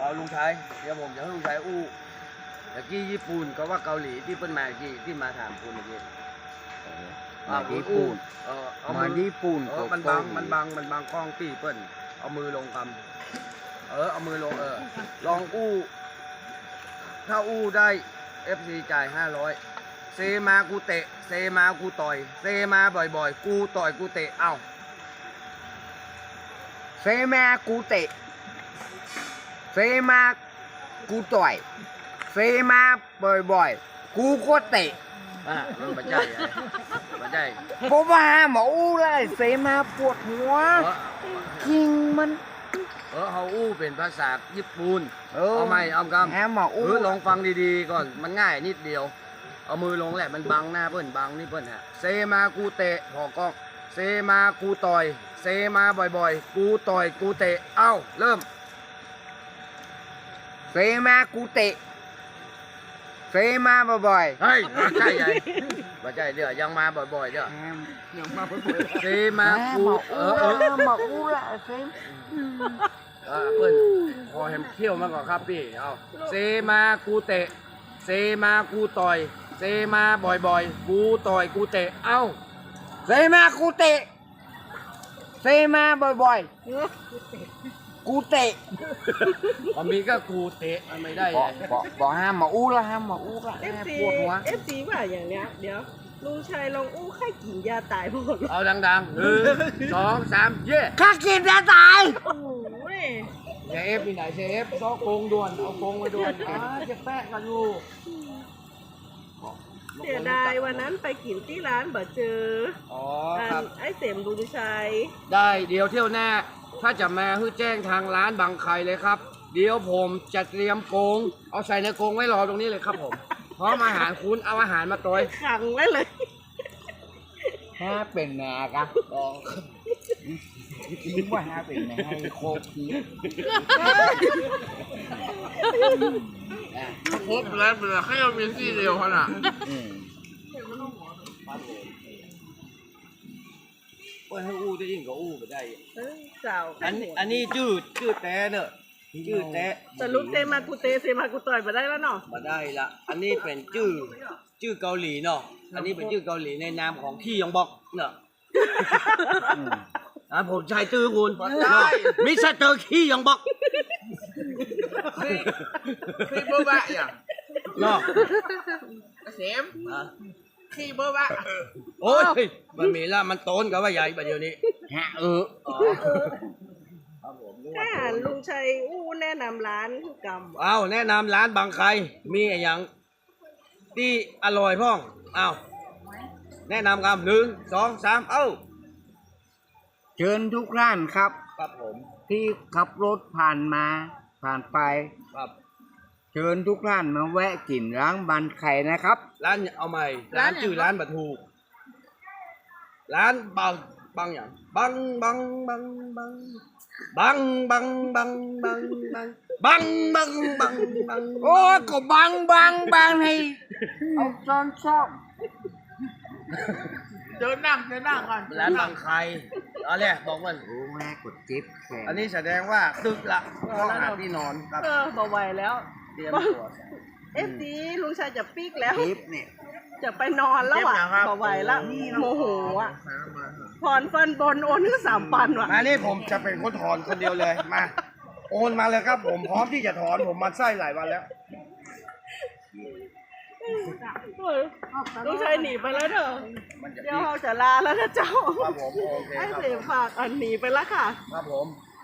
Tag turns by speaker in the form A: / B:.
A: เอาลุงชัยเดี๋ยวผมจะให้ลุงชัยอู้ตะกี้ญี่ปุ่นก็ว่าเกาหลีที่เปิ้นมาที่มาถามคุณเมื่อกี้
B: มาญี่ปุ่น
A: เอา
B: มาญี่ปุ่น
A: มันบังกล้องปี้เปิ้นเอามือลงกำเอามือลงลองอู้ถ้าอู้ได้ FC จ่าย500เซมากูเตะเซมากูต่อยเซมาบ่อยๆกูต่อยกูเตะเอ้า
B: เซมากูเตะเซมากูต่อยเซมาบ่อยๆกูก็เตะ
A: มันไม่ใช่ไม่ใช่
B: เพราะว่าหมออู้เลยเซมาปวดหัวจริงมัน
A: เขาอู้เป็นภาษาญี่ปุ่น
B: เอา
A: ไม่เอากำ
B: แหมหมออู้
A: ลองฟังดีๆก่อนมันง่ายนิดเดียวเอามือลงแหละมันบังหน้าเปิ้นบังนี่เปิ้นฮะเซมากูเตะพอกล้องเซมากูต่อยเซมาบ่อยๆกูต่อยกูเตะเอ้าเริ่ม
B: เซมากูเตะเซมาบ่อย
A: เฮ้ยไม่ใช่ไงไม่ใช่เดี๋ยวยังมาบ่อยๆเดี๋ยว
B: ๆยังมาบ่อย
A: เซมากู
B: หมออู้ละเซม
A: เปิ้นพอเห็นเที่ยวมาก่อนครับพี่เอาเซมากูเตะเซมากูต่อยเซมาบ่อยๆกูต่อยกูเตะเอ้า
B: เซมากูเตะเซมาบ่อยๆกูเตะ
A: มันมีก็กูเตะมันไม่ได้
B: บอกห้ามหมออู้ละห้ามหมออู้ละ
C: FC
B: ปวดหัว
C: FC ว่าอย่างเนี้ยเดี๋ยวลุงชัยลองอู้ไข้กินยาตายพวก
A: เอาดังๆ1 2 3เย่
B: ข้ากินจะตาย
C: โอ้โห
A: อย่าเอฟที่ไหนเชฟซอกโกงด่วนเอาโกงไปด่วนจะแปะกันอยู่
C: เสียดายวันนั้นไปกินที่ร้านบ่เจอ
A: อ๋อ
C: อั
A: ครับ
C: นไอ้เสมลุงชัย
A: ได้เดี๋ยวเที่ยวหน้าถ้าจะมาให้แจ้งทางร้านบางไคเลยครับ เดี๋ยวผมจะเตรียมโกงเอาใส่ในโกงไว้รอตรงนี้เลยครับผมพร้อมอาหารคุณเอาอาหารมาตอย
C: ขังไว้เลย
B: ถ้าเป็นแหนกะคิดว่าถ้าเป็นแหนให้โคกที
A: ครบแล้วเปลือกให้เรามีที่เดียวขนาดว่าให้อู้ได้ยิ่งก็อู้ไปได้
C: สาว
A: อันนี้จืดแต่เนอะจืดแต่
C: แต่ลุงเตมากูเตเซมากูต่อยมาได้แล้วเนาะ
A: มาได้ละอันนี้เป็นชื่อเกาหลีเนาะอันนี้เป็นชื่อเกาหลีในนามของขี้ยองบอกเนอะผมชายชื่อคุณมิสเตอร์ขี้ยองบอก
D: ขี้เบอร์วะอย่าง
A: เนาะ
D: เสมขี้เบอร์วะ
A: โอ้ยมันมีละมันโตนกับว่าใหญ่แบบเดียวนี้
B: ฮะ
C: ถ้าลุงชัยอู้แนะนำร้านกำ
A: เอาแนะนำร้านบางไคมีอย่างที่อร่อยพ่องเอาแนะนำกัน1 2 3เอ้า
B: เชิญทุกท่านครับ
A: ครับผม
B: ที่ขับรถผ่านมาผ่านไป
A: ครับ
B: เชิญทุกท่านมาแวะกินร้านบันไข่นะครับ
A: ร้านเอาใหม่ร้านชื่อร้านบะทูร้านบางอย่างบัง
B: โอ้ก็บังให้เอาจอนชอบ
D: เดินนั่งก่อน
A: ร้านบางไคเอาเลยบอกมัน
B: โอ้แม่กดจิ๊บแขน
A: อันนี้แสดงว่าตึกละห้องอาหารที่นอนครับ
C: บ่ไหวแล้ว
A: เตรียมตัว
C: FC ลุงชัยจะปีกแล้ว
B: จิ๊บเนี่ย
C: จะไปนอนแล้วอ่ะบ่ไหวแล้วโมโหอ่ะผ่อนฟันบนโอนก็3,000ว่ะ
A: มานี่ผมจะเป็นคนถอนคนเดียวเลยมาโอนมาเลยครับผมพร้อมที่จะถอนผมมันไส้หลายวันแล้ว
C: ลุงชัยหนีไปแล้วเด้อเดี๋ยวเราจะลาแล้วนะเจ้า
A: ครับผมโอเค
C: ไอ้
A: ครับ
C: เสมฝากอันหนีไปแล้วค่ะ
A: ครับผม